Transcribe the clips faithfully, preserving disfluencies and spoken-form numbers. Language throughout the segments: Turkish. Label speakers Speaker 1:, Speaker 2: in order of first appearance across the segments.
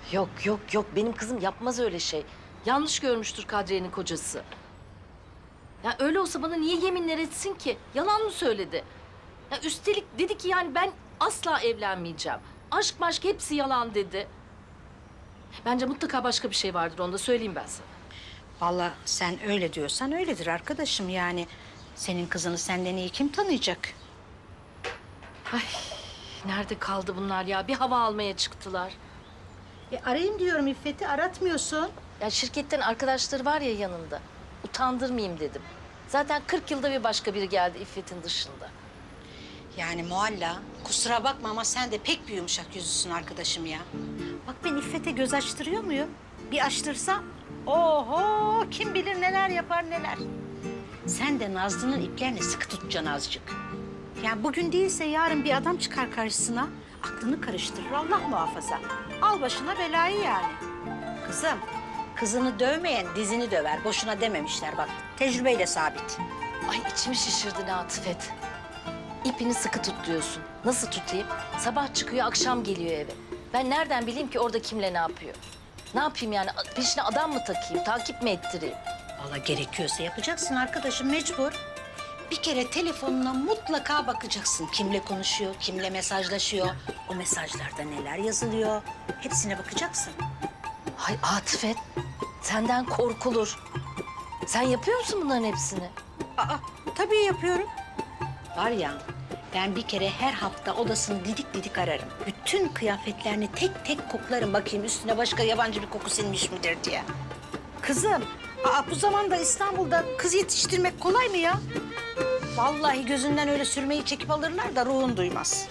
Speaker 1: Yok yok yok benim kızım yapmaz öyle şey. Yanlış görmüştür Kadriye'nin kocası. Ya öyle olsa bana niye yeminler etsin ki? Yalan mı söyledi? Ya üstelik dedi ki yani ben asla evlenmeyeceğim. Aşk maşk hepsi yalan dedi. Bence mutlaka başka bir şey vardır, onu da söyleyeyim ben sana.
Speaker 2: Vallahi sen öyle diyorsan öyledir arkadaşım yani. Senin kızını senden iyi kim tanıyacak?
Speaker 1: Ay nerede kaldı bunlar ya? Bir hava almaya çıktılar.
Speaker 2: E arayayım diyorum İffet'i, aratmıyorsun.
Speaker 1: Ya şirketten arkadaşları var ya yanında. Utandırmayayım dedim. Zaten kırk yılda bir başka biri geldi İffet'in dışında.
Speaker 2: Yani Mualla, kusura bakma ama sen de pek bir yumuşak yüzlüsün arkadaşım ya. Bak ben İffet'e göz açtırıyor muyum? Bir açtırsam, oho kim bilir neler yapar neler. Sen de Nazlı'nın iplerini sıkı tutacaksın azıcık. Yani bugün değilse yarın bir adam çıkar karşısına, aklını karıştırır Allah muhafaza. Al başına belayı yani. Kızım, kızını dövmeyen dizini döver. Boşuna dememişler bak, tecrübeyle sabit.
Speaker 1: Ay içimi şişirdi Latifet. İpini sıkı tut diyorsun. Nasıl tutayım? Sabah çıkıyor, akşam geliyor eve. Ben nereden bileyim ki orada kimle ne yapıyor? Ne yapayım yani? Peşine adam mı takayım, takip mi ettireyim?
Speaker 2: Vallahi gerekiyorsa yapacaksın arkadaşım, mecbur. Bir kere telefonuna mutlaka bakacaksın. Kimle konuşuyor, kimle mesajlaşıyor. O mesajlarda neler yazılıyor. Hepsine bakacaksın.
Speaker 1: Ay Atifet, senden korkulur. Sen yapıyor musun bunların hepsini?
Speaker 2: Aa, tabii yapıyorum. Var ya, ben bir kere her hafta odasını didik didik ararım. Bütün kıyafetlerini tek tek koklarım bakayım üstüne başka yabancı bir koku sinmiş midir diye. Kızım, aa, bu zamanda İstanbul'da kız yetiştirmek kolay mı ya? Vallahi gözünden öyle sürmeyi çekip alırlar da ruhun duymaz.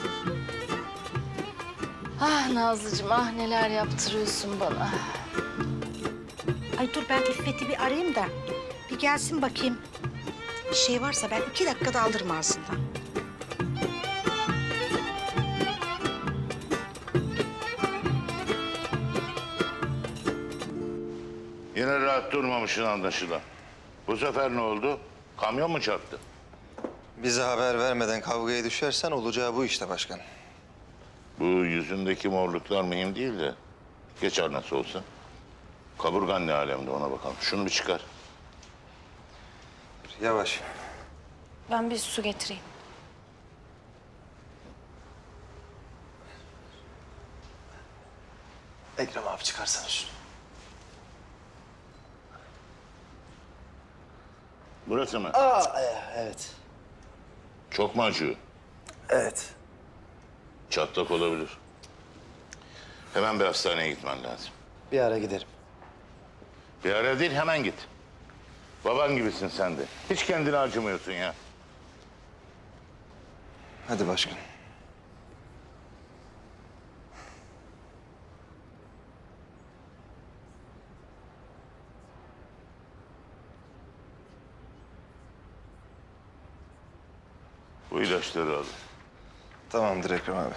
Speaker 1: Ah Nazlıcığım, ah neler yaptırıyorsun bana.
Speaker 2: Ay dur ben İffet'i bir arayayım da bir gelsin bakayım. Bir şey varsa ben iki dakikada alırım ağzından.
Speaker 3: Yine rahat durmamışsın anlaşılan. Bu sefer ne oldu? Kamyon mu çarptı?
Speaker 4: Bize haber vermeden kavgaya düşersen olacağı bu işte başkan.
Speaker 3: Bu yüzündeki morluklar mühim değil de geçer nasıl olsa. Kaburgan ne alemde ona bakalım. Şunu bir çıkar.
Speaker 4: Yavaş.
Speaker 5: Ben bir su getireyim.
Speaker 4: Ekrem abi çıkarsana şunu.
Speaker 3: Burası mı?
Speaker 4: Aa, evet.
Speaker 3: Çok mu acıyor?
Speaker 4: Evet.
Speaker 3: Çatlak olabilir. Hemen bir hastaneye gitmen lazım.
Speaker 4: Bir ara giderim.
Speaker 3: Bir ara değil hemen git. Baban gibisin sen de. Hiç kendini acımıyorsun ya.
Speaker 4: Hadi başkan.
Speaker 3: Bu ilaçları al.
Speaker 4: Tamamdır Ekrem abi.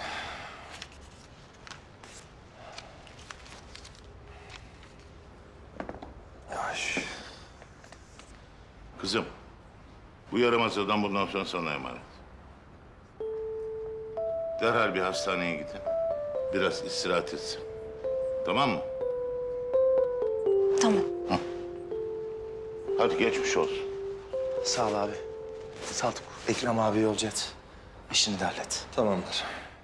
Speaker 4: Yavaş.
Speaker 3: Kızım, bu yaramaz adam bundan sonra sana emanet. Derhal bir hastaneye gidin. Biraz istirahat etsin. Tamam mı?
Speaker 5: Tamam.
Speaker 3: Hadi geçmiş olsun.
Speaker 6: Sağ ol abi. Saltuk. Ekrem abi yolcu et. İşini de hallet.
Speaker 4: Tamamdır.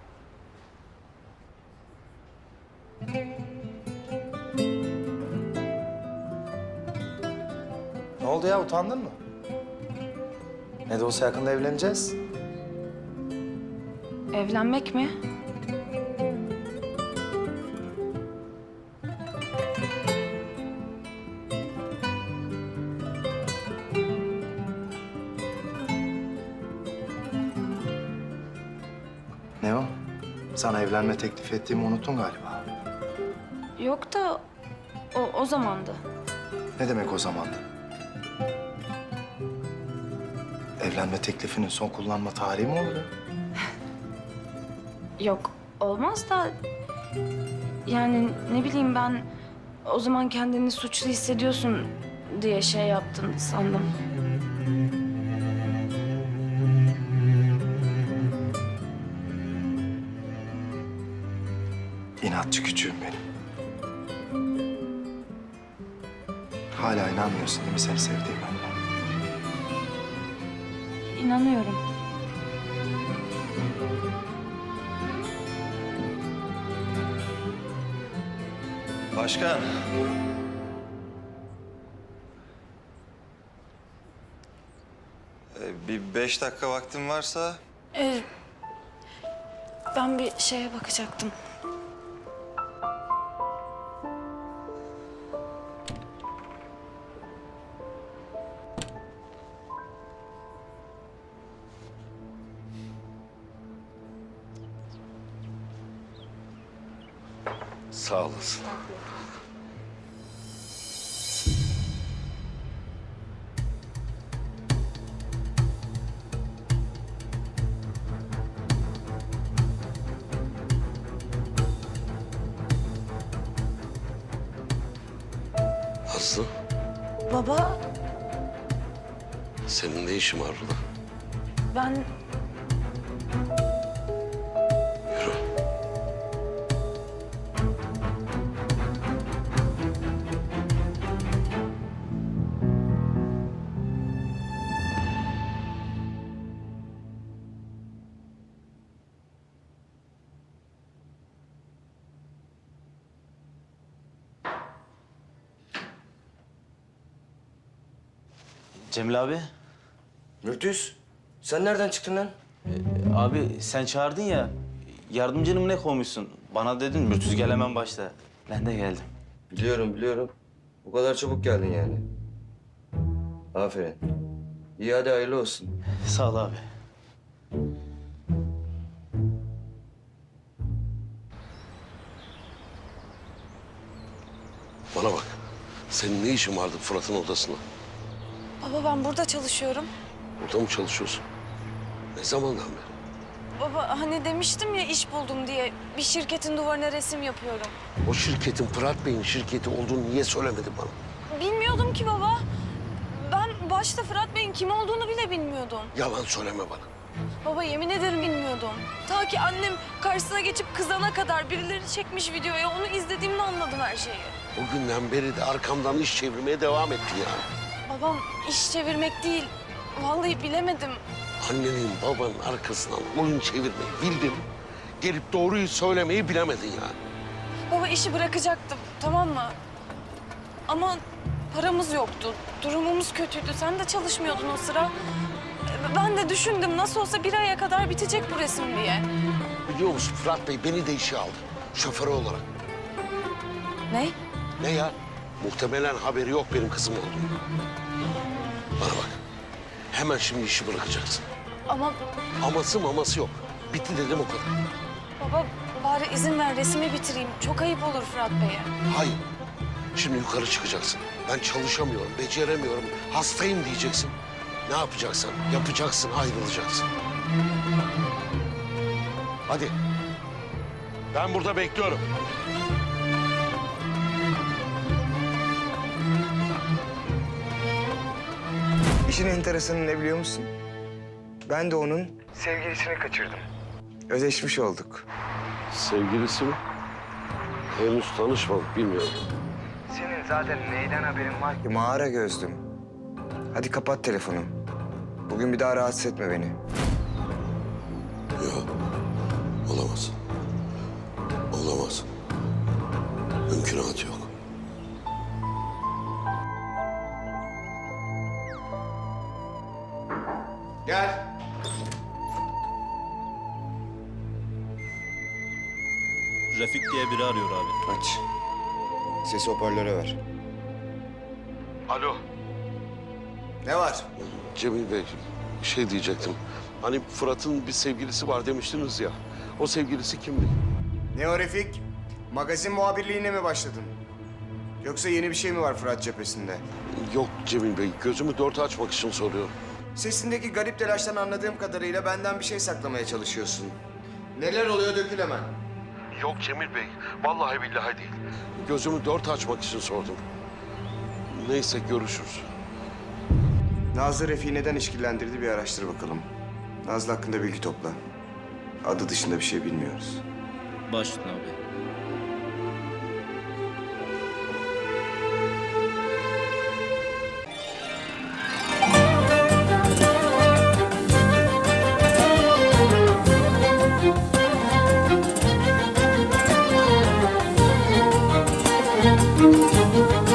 Speaker 6: Ne oldu ya, utandın mı? Ne de olsa yakında evleneceğiz.
Speaker 5: Evlenmek mi?
Speaker 6: Ne o? Sana evlenme teklif ettiğimi unuttun galiba.
Speaker 5: Yok da o, o zamandı.
Speaker 6: Ne demek o zamandı? Evlenme teklifinin son kullanma tarihi mi olur ya?
Speaker 5: Yok olmaz da yani ne bileyim ben o zaman kendini suçlu hissediyorsun diye şey yaptım sandım.
Speaker 6: İnatçı küçüğüm benim. Hala inanmıyorsun değil mi seni sevdiğime?
Speaker 5: İnanıyorum.
Speaker 4: Başkan. Ee, bir beş dakika vaktin varsa
Speaker 5: Ee, ben bir şeye bakacaktım.
Speaker 7: Sağ olasın. Aslı,
Speaker 5: Baba,
Speaker 7: senin ne işin var burada?
Speaker 5: ben
Speaker 7: Yürü.
Speaker 8: Cemil abi.
Speaker 9: Mürtüz, sen nereden çıktın lan?
Speaker 8: Abi sen çağırdın ya. Yardımcını mı ne koymuşsun? Bana dedin Mürtüz gel hemen başla. Ben de geldim.
Speaker 9: Biliyorum, biliyorum. Bu kadar çabuk geldin yani. Aferin. İyi hadi hayırlı olsun.
Speaker 8: Sağ ol abi.
Speaker 7: Bana bak. Senin ne işin vardı Fırat'ın odasında?
Speaker 5: baba ben burada çalışıyorum.
Speaker 7: Burada mı çalışıyorsun? Ne zamandan beri?
Speaker 5: Baba hani demiştim ya iş buldum diye. Bir şirketin duvarına resim yapıyorum.
Speaker 7: O şirketin Fırat Bey'in şirketi olduğunu niye söylemedin bana?
Speaker 5: Bilmiyordum ki baba. Ben başta Fırat Bey'in kim olduğunu bile bilmiyordum.
Speaker 7: Yalan söyleme bana.
Speaker 5: Baba yemin ederim bilmiyordum. Ta ki annem karşısına geçip kızana kadar birileri çekmiş videoya onu izlediğimde anladım her şeyi.
Speaker 7: O günden beri de arkamdan iş çevirmeye devam ettin yani.
Speaker 5: Babam iş çevirmek değil. Vallahi bilemedim.
Speaker 7: Annenin babanın arkasından oyun çevirmeyi bildin. Gelip doğruyu söylemeyi bilemedin yani.
Speaker 5: Baba işi bırakacaktım tamam mı? Ama paramız yoktu. Durumumuz kötüydü. Sen de çalışmıyordun o sıra. Ben de düşündüm nasıl olsa bir aya kadar bitecek bu resim diye.
Speaker 7: Biliyor musun Fırat Bey beni de işe aldı. Şoförü olarak.
Speaker 5: Ne?
Speaker 7: Ne ya? Muhtemelen haberi yok benim kızım olduğunu. Bana bak. Hemen şimdi işi bırakacaksın.
Speaker 5: Ama
Speaker 7: Aması maması yok. Bitti dedim o kadar.
Speaker 5: baba bari izin ver resmi bitireyim. Çok ayıp olur Fırat Bey'e.
Speaker 7: Hayır. Şimdi yukarı çıkacaksın. Ben çalışamıyorum, beceremiyorum, hastayım diyeceksin. Ne yapacaksan yapacaksın, ayrılacaksın. Hadi. Ben burada bekliyorum.
Speaker 10: İşin enteresanı ne biliyor musun? Ben de onun sevgilisini kaçırdım. Ödeşmiş olduk.
Speaker 7: Sevgilisi mi? Henüz tanışmadık, bilmiyorum.
Speaker 10: Senin zaten neyden haberin var ki? Mağara gözlüm. Hadi kapat telefonu. Bugün bir daha rahatsız etme beni.
Speaker 7: Yok. Olamaz. Olamaz. Mümkünatı yok.
Speaker 10: Gel.
Speaker 11: Refik diye biri arıyor abi.
Speaker 10: Aç. Sesi hoparlöre ver.
Speaker 7: Alo.
Speaker 10: Ne var?
Speaker 7: Cemil Bey, bir şey diyecektim. Hani Fırat'ın bir sevgilisi var demiştiniz ya. O sevgilisi kimdi?
Speaker 10: Ne o Refik? Magazin muhabirliğine mi başladın? Yoksa yeni bir şey mi var Fırat cephesinde?
Speaker 7: Yok Cemil Bey, gözümü dört açmak için soruyorum.
Speaker 10: Sesindeki garip telaştan anladığım kadarıyla benden bir şey saklamaya çalışıyorsun. Neler oluyor dökül hemen.
Speaker 7: Yok Cemil Bey, vallahi billahi değil. Gözümü dört açmak için sordum. Neyse görüşürüz.
Speaker 10: Nazlı Refik'i neden işkillendirdi bir araştır bakalım. Nazlı hakkında bilgi topla. Adı dışında bir şey bilmiyoruz.
Speaker 11: Baş üstüne abi.